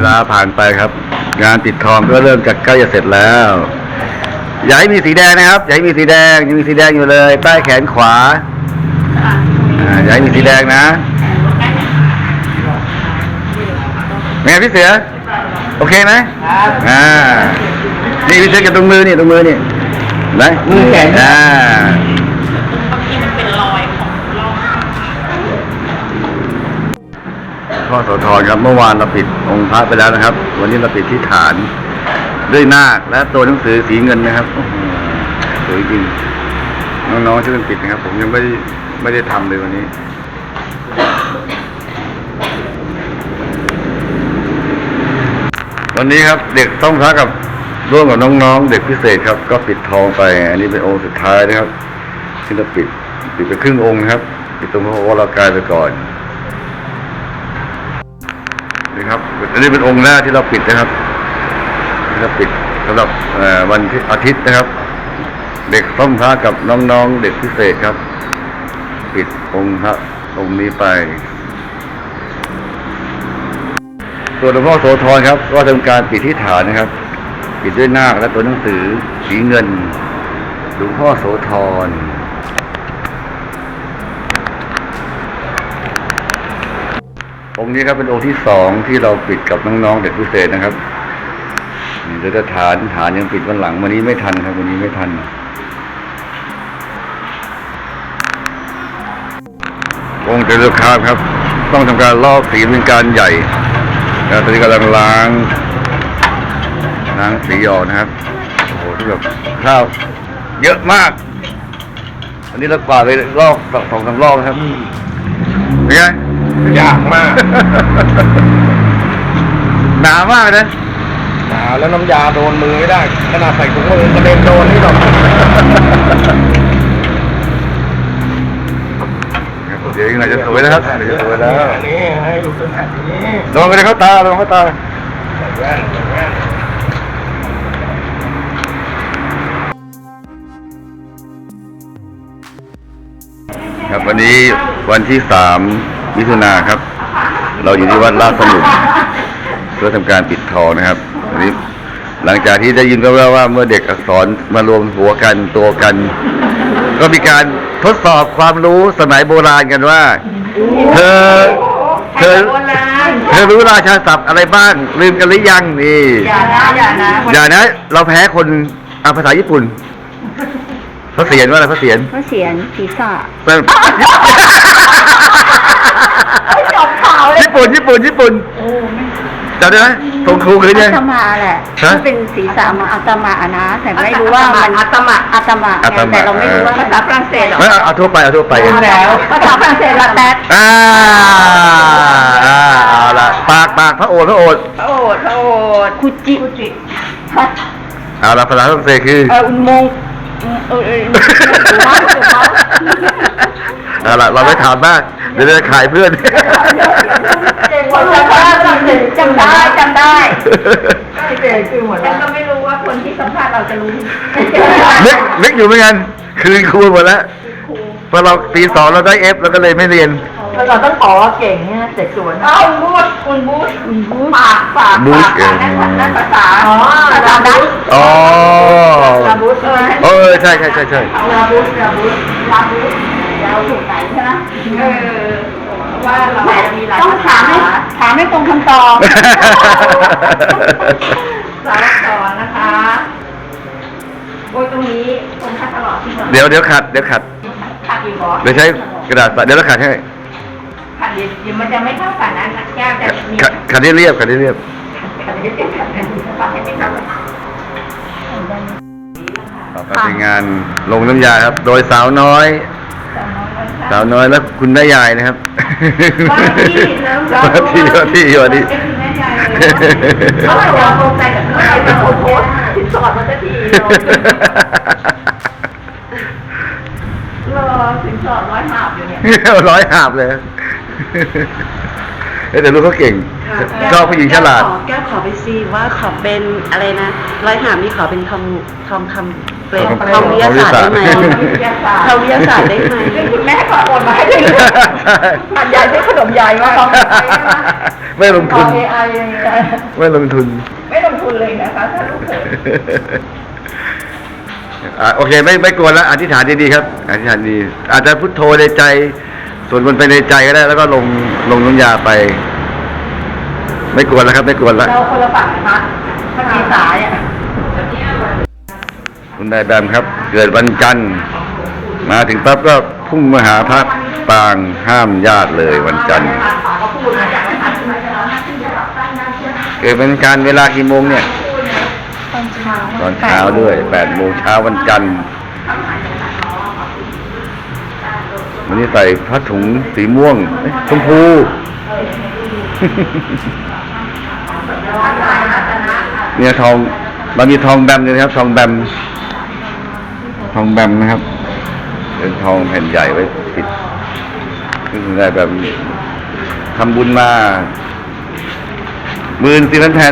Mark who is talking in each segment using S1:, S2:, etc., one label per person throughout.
S1: าผ่านไปครับ งานปิดทองก็เริ่มจะใกล้จะเสร็จแล้วอย่าให้มีสีแดงนะครับอย่าให้มีสีแดงยังมีสีแดงอยู่เลยใต้แขนขวาอย่าให้มีสีแดงนะเป็นไงพี่เสือโอเคไหมนี่พี่เสือกับตรงมือนี่ไหนมือแขนพ่อโสธรครับเมื่อวานเราปิดองค์พระไปแล้วนะครับวันนี้เราปิดที่ฐานด้วยนาคและตัวหนังสือสีเงินนะครับสวยจริงน้องๆช่วยกันปิดนะครับผมยังไม่ได้ทำเลยวันนี้วันนี้ครับเด็กต้องพระกับร่วมกับน้องๆเด็กพิเศษครับก็ปิดทองไปอันนี้เป็นองค์สุดท้ายนะครับที่เราปิดไปครึ่งองค์ครับปิดตรงพระวรากายไปก่อนนี่ครับอันนี้เป็นองค์แรกที่เราปิดนะครับที่เราปิดสำหรับวันอาทิตย์นะครับเด็กต้องพระกับน้องๆเด็กพิเศษครับปิดองค์พระองค์นี้ไปส่วนหลวงพ่อโสธรครับก็ทำการปิดที่ฐานนะครับปิดด้วยนาคและตัวหนังสือสีเงินหลวงพ่อโสธรองค์นี้ครับเป็นองค์ที่สองที่เราปิดกับน้องๆเด็กพิเศษนะครับเดี๋ยวจะฐานยังปิดวันหลังวันนี้ไม่ทันครับวันนี้ไม่ทันองค์เจริญคามครับต้องทำการลอกสีเป็นการใหญ่ตอนนี้กำลังล้างสีออกนะครับโอ้โหที่แบบข้าวเยอะมากอันนี้เรากวาดเลยลอก2-3 รอบนะครับเป็นไงยากมากหนามากนะหนาแล้วน้ำยาโดนมือไม่ได้ขนาดใส่ถุงมือกระเด็นโดนนี่หรอกเดี๋ยวยังไงจะสวยนะครับเดี๋ยวจะสวยแล้วนี่ให้ดูตัวแบบนี้ลองไปเลยเข้าตาครับวันนี้วันที่3 มิถุนายนครับเราอยู่ที่วัดราชสมุทรเพื่อทำการปิดทองนะครับวันนี้หลังจากที่ได้ยินก็ว่าเมื่อเด็กอักษรมารวมหัวกันตัวกันก็มีการทดสอบความรู้สมัยโบราณกันว่าเธอรู้ราชาศัพท์อะไรบ้างลืมกันหรือยังนี่อย่านะเราแพ้คนภาษาญี่ปุ่นพระเศียรว่าอะไรพระเศียรศีรษะญี่ปุ่นจำได้ไหมตรงครูคือเนี่ย
S2: อาตมาแหละเป็นศีรษะมาอาตมานะแต่ไม่รู้ว่ามันอาตมาแต่เราไม่รู้ว่าภาษาฝรั่งเศสหรอ
S1: เอาทั่วไปแล้ว
S2: ภาษาฝรั่งเศสละแต๊ด
S1: เอาละปากพระโอษฐ์
S2: คุจิ
S1: เอาละภาษาฝรั่งเศสคือ
S2: อุโมงค์
S1: เอาละเราไม่ถามมากเดี๋ยวจะขายเพื่อน
S2: คนภาษาฝรั่งเศสจำได้ฉันก็ไม่รู้ว่าคนที่สัมภาษณ์เราจะรู้
S1: นึกอยู่เหมือนกันคืนครูหมดแล้วพอเราปี 2เราได้ F แล้วก็เลยไม่เรียน
S2: เราต้องขอเก่งเนี่ยเสร็จสวนบูชปากนั่นภาษาดัชบูช
S1: ใช่
S2: ลาบูชเราถูกไหนใช่ไหมว่าเรามีหลายต้องถามให้ตรงคำตอบสารสอนนะคะโอ้ยตรงนี้ตรงคัดตลอดที่
S1: เดี๋ยวขัด
S2: อีกเหรอ
S1: เดี๋ยวใช้กระดาษเดี๋ยวเราขัดให้
S2: ขัดเดี๋ยวมันจะไม่เท่ากันนะแก้วจะ
S1: ขัดเรียบต่อไปเป็นงานลงน้ำยาครับโดยสาวน้อยแล้วคุณแม่ยายนะครับว่าที่
S2: เขาบอกว่าตรงใจกับเขาเป็นคนโพสสินสอดมันจะทีสินสอด100 หาบอยู่เนี่ย
S1: 100 หาบเลยแต่ลูกเขาเก่งชอบผู้หญิงฉลาด
S3: แก้วขอไปซีว่าขอเป็นอะไรนะ100 หาบนี่ขอเป็นทองคำ
S2: เกรด
S3: ทางวิทยาศาสตร์ได้ไหมทางวิทยาศาสตร์ได้ไหม
S2: ซึ่งคุณแม่ขอโอนมาให้เลยมันยายซื้อขนมยายมาลอง
S1: ไม่ลงทุน
S2: AI
S1: ไม่ลงทุน
S2: ไม่ลงทุนเลยนะคะถ้าลูกเขย
S1: โอเคไม่กวนแล้วอธิษฐานดีๆครับอธิษฐานดีอาจจะพุทโธในใจส่วนบนไปในใจก็ได้แล้วก็ลงน้ำยาไป ไม่กวนแล้วครับไม่กวนแล้ว
S2: เราคนละฝั่งนะคะถ้ามีสายอ่ะ
S1: คุณนายแบมครับ เกิดวันจันทร์มาถึงปั๊บก็พุ่งมาหาพระปางห้ามญาติเลยวันจันทร์เกิดเป็นการเวลากี่โมงเนี่ยตอนเช้าด้วย8 โมงเช้าวันจันทร์วันนี้ใส่ผ้าถุงสีม่วงชมพู เนี่ยทองเรามีทองแบมเลยนะครับทองแบมนะครับเป็นทองแผ่นใหญ่ไว้ปิดซึ่งได้แบบทำบุญมา14,000 แผ่น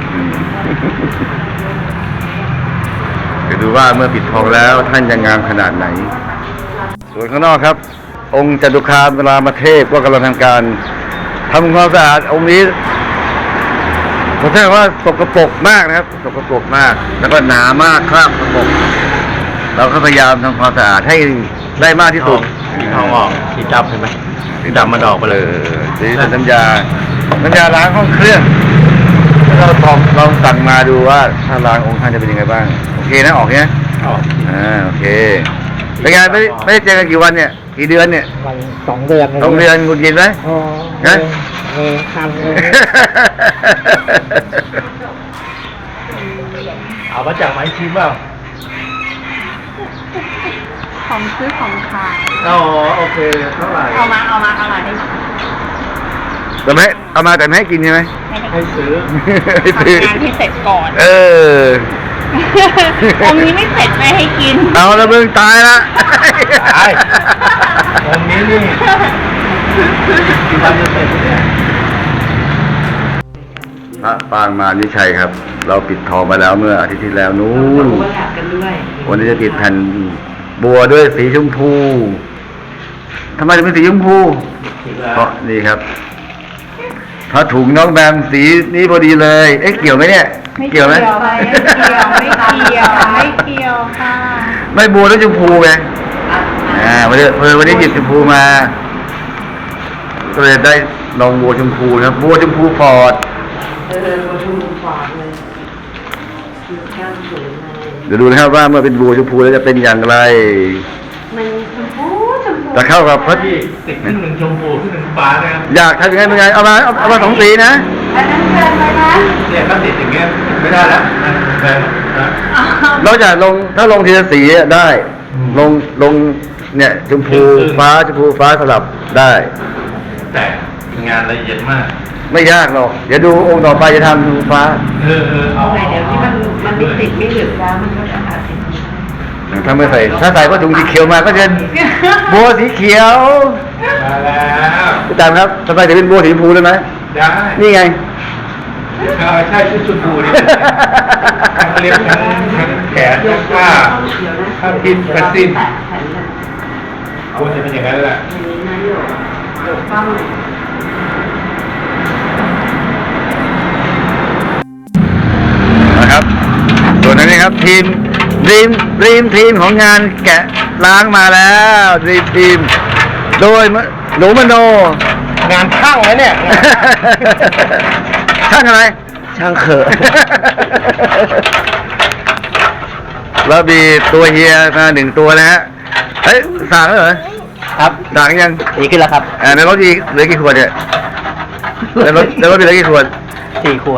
S1: เดี๋ยวดูว่าเมื่อปิดทองแล้วท่านจะงามขนาดไหน ส่วนข้างนอกครับ องค์จตุคามรามเทพก็กำลังทำการทำความสะอาดองค์นี้ผมแท้ว่าสกปรกมากนะครับสกปรกมากแล้วก็หนามากครับสกปรกเราก็พยายามทำความสะอาดให้ได้มากที่สุด
S3: ทองออกสีดำเห็นไหมสีดำมันออกไปเลย
S1: สีเป็นน้ำยาล้างห้องเครื่องแล้วเราลองสั่งมาดูว่าถ้าล้างองค์ท่านจะเป็นยังไงบ้างโอเคนะออกเนี้ย
S3: ออก
S1: โอเคเป็นไงไม่ได้เจอกันกี่วันเนี่ยกี่เดือนเนี่ย
S4: วัน2 เดือน
S1: 2 เดือนคุณกินไหม
S4: อ๋อ
S1: ฮะ
S4: ทำเลย
S3: เอามาจากไม้ชิมเปล่า
S2: ของซื้อของขาย
S3: อ๋อโอเคเท่าไหร่
S2: เอามาให้
S1: แต่ไม่เอามาแต่ไม่ให้กินใช่ไหม
S3: ให้ซื้อ
S1: ให้ซื้อ
S2: ทำงานที่เสร็จก่อน
S1: เออ
S2: องค์นี้ไม่เสร็จไม่ให้กิน
S1: เอาแล้วมึงตายละ
S3: ตายองค์นี้นี่ทำจะเสร็จเนี่ย
S1: พระปางมารวิชัยครับ เราปิดทองไปแล้วเมื่ออาทิตย์ที่แล้วนู้นวันนี้จะติดแผ่นบัวด้วยสีชมพูทำไมถึงเป็นสีชมพู เพราะนี่ครับผ้าถุงน้องแบมสีนี้พอดีเลย เอ๊ะเกี่ยวไหมเนี่ย เกี่ยวไหม
S2: ไม่เกี่ยวค่ะ
S1: ไม่บัวแล้วชมพูไงวันนี้หยิบชมพูมา ก็เลยได้ลองบัวชมพูครับบัวชมพูฟอร์ดเดี๋ยวดูนะครับว่าเมื่อเป็นบัวชมพูแล้วจะเป็นอย่างไร
S2: มันชมพู
S1: จะเข้ากับพระ
S3: ที่ติดขึ้นหนึ่งชมพูขึ้นหนึ่งฟ้านะครับ
S1: อยากทำยังไงเป็นไงเอามา2 สีนะ
S2: อันนั้นเกินไปนะ
S3: เนี่ยถ้าติดอย่างเงี้ยไม่ได้แล้วแพงนะ
S1: นอกจากถ้าลงทีละสีอะได้ ลงเนี่ยชมพูฟ้าสลับได้
S3: แต่งานละเอียดมาก
S1: ไม่ยากหรอก เดี๋ยวดูองค์ต่อไปจะทำชมพูฟ้า
S3: เอา
S2: เดี๋ยวที่มันไม่ติดไม่หลึกแล้วมันก็จะอาจติด
S1: ถ้าไม่ใส่ถ้าใส่ผ้าถุงสีเขียวมาก็จะบัวสีเขียว
S3: มาแล้ว
S1: พี่ตามครับทำไมถึงเป็นบัวสีชมพูได้ไหม
S3: ได้
S1: นี่ไง
S3: ใช่ชุดชมพูนี่เขาเรียกทั้งแขนทั้งผ้าพินกระสิ้นควรจะเป็นอย่างนั้นแหละ
S1: นะครับ ส่วนอันนี้ครับทีมทีมของงานแกะล้างมาแล้วทีมโดยหนูมโน
S3: งานช่างไหมเนี่ย
S1: ช่างอะไร
S3: ช่างเขอะ
S1: แล้วมีตัวเฮียมา1 ตัวนะฮะเฮ้ยสั่งแล้วเหรอ
S3: ครับ
S1: สั่งยัง
S3: ดีขึ้นแล้วครับ
S1: ในรถอีกเหลือกี่ขวดเนี่ยในรถมีเหลือกี่ขวด
S3: 4 ขวด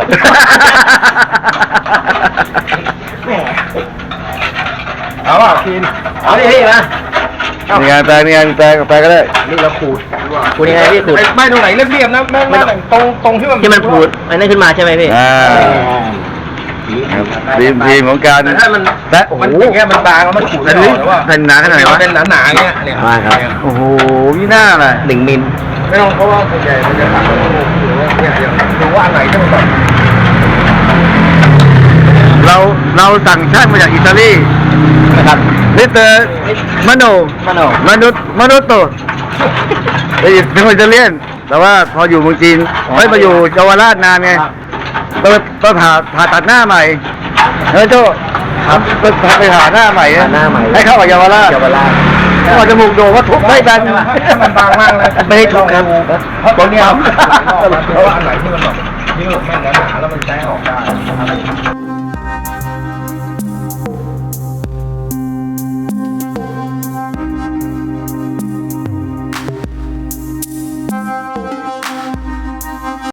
S3: เอาอ่ะกินเอาดิพี่มา
S1: มีงานแปลก็ได้
S3: นี่เราขูดขูดยังไงพี่ขูดไม่ตรงไหนเรียบๆนะไม่ตรงที่มันขูดอันนั้นขึ้นมาใช่ไหมพี่
S1: ครับทีมของการ
S3: แต่ถ้ามัน
S1: และโอ้โห
S3: มันอย่างเงี้ยมันบางแล้วมันขูดไม่ออกหรือว่า
S1: เป็นหนาขนาดไหนวะ
S3: เป็นหนาๆเงี้ยเนี่ย
S1: โอ้โหนี่หน้าเลย
S3: 1 มิลไม่ต้องเพราะว่าส่วนใหญ่มันจะตัดหรือว่าเนี่ยอย่างดูว่าอันไหนที่มันแบบ
S1: เราสั่งช่างมาจากอิตาลี
S4: นะครับ
S1: มิสเตอร์มโน มนุษย์โตเป็นคนอิตาเลียน แต่ว่าพออยู่เมืองจีนไม่มาอยู่เยาวราชนานไงต้องผ่าตัดหน้าใหม่เฮ้ยโจ้ครับไปหาหน้าใหม่ให้เข้ากับเยาวราชถ้าว่าจมูกโด่งว่าทุบไม่แบน
S3: มันบางมากเลย
S1: ไม่ให้ทุบครับ
S3: เพราะว่าอันไหนที่มันแบบนี่มันแม่นหนาแล้วมันใช้ออกได้